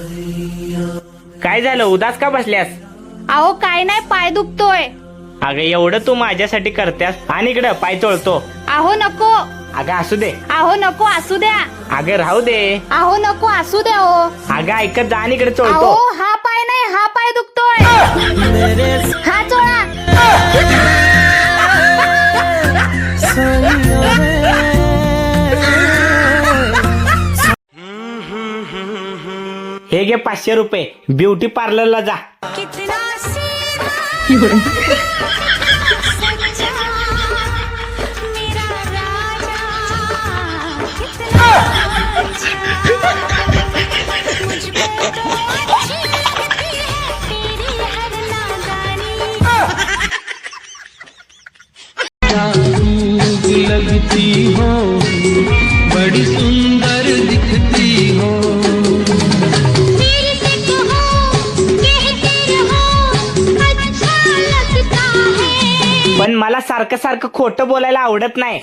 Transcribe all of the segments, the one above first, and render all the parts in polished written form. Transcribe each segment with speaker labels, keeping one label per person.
Speaker 1: काय झालं, उदास का बसल्यास?
Speaker 2: अहो काय नाही, पाय दुखतोय.
Speaker 1: अगं एवढं तू माझ्यासाठी करतेस आणि इकडं पाय चोळतो.
Speaker 2: अहो नको.
Speaker 1: अगं असू दे.
Speaker 2: अहो नको, असू द्या.
Speaker 1: अगं राहू दे.
Speaker 2: अहो नको, असू द्या. हो
Speaker 1: अगं ऐकत जा आणि इकडे चोळतो.
Speaker 2: अहो हा पाय नाही, हा पाय दुखतोय. हा चोळा.
Speaker 1: हे घे 500 रुपये, ब्युटी पार्लरला जा.
Speaker 3: लगती हो बड़ी सुंदर दिखती हो.
Speaker 1: पण मला सारखं सारखं खोटं बोलायला आवडत नाही.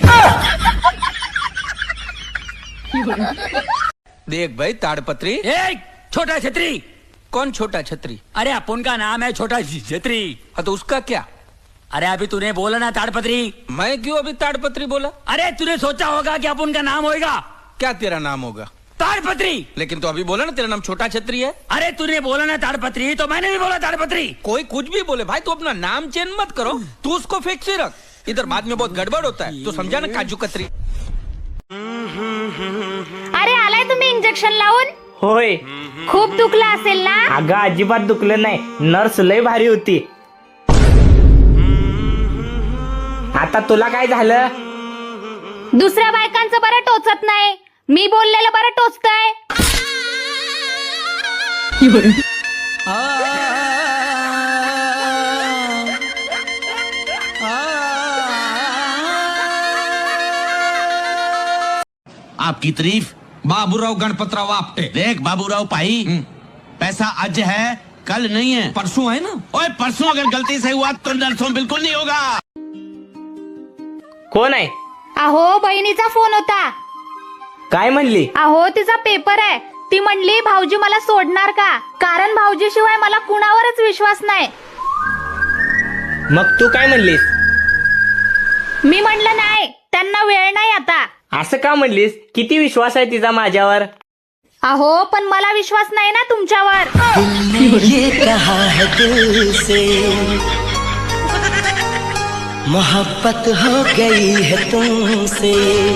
Speaker 4: देख भाई ताड़पत्री.
Speaker 5: छोटा छतरी.
Speaker 4: कौन छोटा छतरी?
Speaker 5: अरे अपन का नाम है छोटा छतरी.
Speaker 4: हाँ तो उसका क्या?
Speaker 5: अरे अभी तूने बोला ना ताड़पत्री.
Speaker 4: मैं क्यों अभी ताड़पत्री बोला?
Speaker 5: अरे तूने सोचा होगा कि अपन का नाम होगा.
Speaker 4: क्या तेरा नाम होगा?
Speaker 5: ताड़पत्री.
Speaker 4: लेकिन तो अभी बोला ना तेरा नाम छोटा छतरी है.
Speaker 5: अरे तूने बोला ना ताड़पत्री, तो मैंने भी बोला ताड़पत्री.
Speaker 4: कोई कुछ भी बोले भाई, तू अपना नाम चेंज मत करो. तू उसको फिक्स ही रख. इधर बाद में बहुत गड़बड़ होता है. तो समझा ना काजू कतरी.
Speaker 2: अरे आलाय तुम्ही इंजेक्शन लावून?
Speaker 1: होय.
Speaker 2: खूप दुखलं असेल ना?
Speaker 1: अगं अजिबात दुखलं नाही, नर्स लय भारी होती. आता तुला काय झालं?
Speaker 2: दुसऱ्या बायकांचं बरं टोचत नाही, मी बोललेलं बरं टोचतंय.
Speaker 6: आपकी तारीफ
Speaker 4: बाबूराव गणपतराव आपटे.
Speaker 6: देख बाबूराव भाई, पैसा आज है कल नहीं है.
Speaker 4: परसों है ना.
Speaker 6: ओए परसों अगर गलती से हुआ तो नरसों बिल्कुल नहीं होगा.
Speaker 1: कोण आहे?
Speaker 2: अहो बहिणीचा फोन होता.
Speaker 1: काय म्हणली?
Speaker 2: अहो तिचा पेपर आहे. ती म्हणली भाऊजी मला सोडणार का, कारण भाऊजी शिवाय मला कुणावरच विश्वास नाही.
Speaker 1: मग तू काय म्हणलीस?
Speaker 2: मी म्हणलं नाही, त्यांना वेळ नाही आता.
Speaker 1: असं का म्हणलीस? किती विश्वास आहे तिचा माझ्यावर.
Speaker 2: अहो पण मला विश्वास नाही ना तुमच्यावर.
Speaker 3: ये कहा है दिल से मोहब्बत हो गई है तुमसे.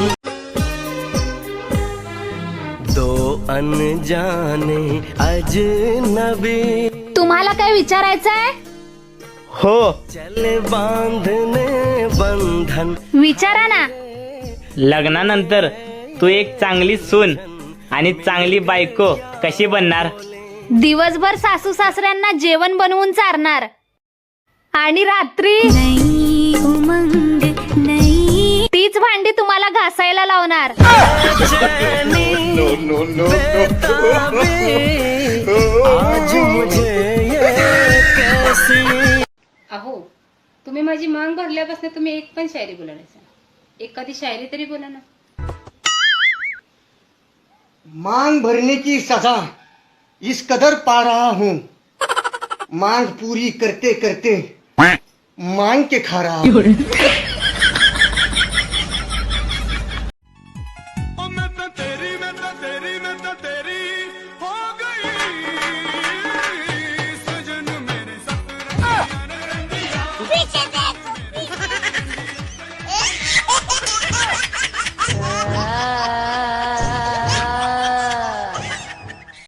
Speaker 3: दो अनजाने अजनबी
Speaker 2: तुम्हाला काय विचारायचंय?
Speaker 1: हो.
Speaker 3: चले बांधने बंधन.
Speaker 2: विचारा ना.
Speaker 1: लग्नानंतर तू एक चांगली सून आणि चांगली बायको कशी बनणार?
Speaker 2: दिवसभर सासू सासऱ्यांना जेवण बनवून चारणार आणि रात्री तीच भांडी तुम्हाला घासायला लावणार.
Speaker 7: अहो तुम्ही माझी मांग भरल्यापासून तुम्ही एक पण शायरी बोला नाही. एखादी शायरी तरी बोला ना.
Speaker 8: मांग भरने की सजा इस कदर पा रहा हूँ, मांग पूरी करते करते मांग के खा रहा हूँ.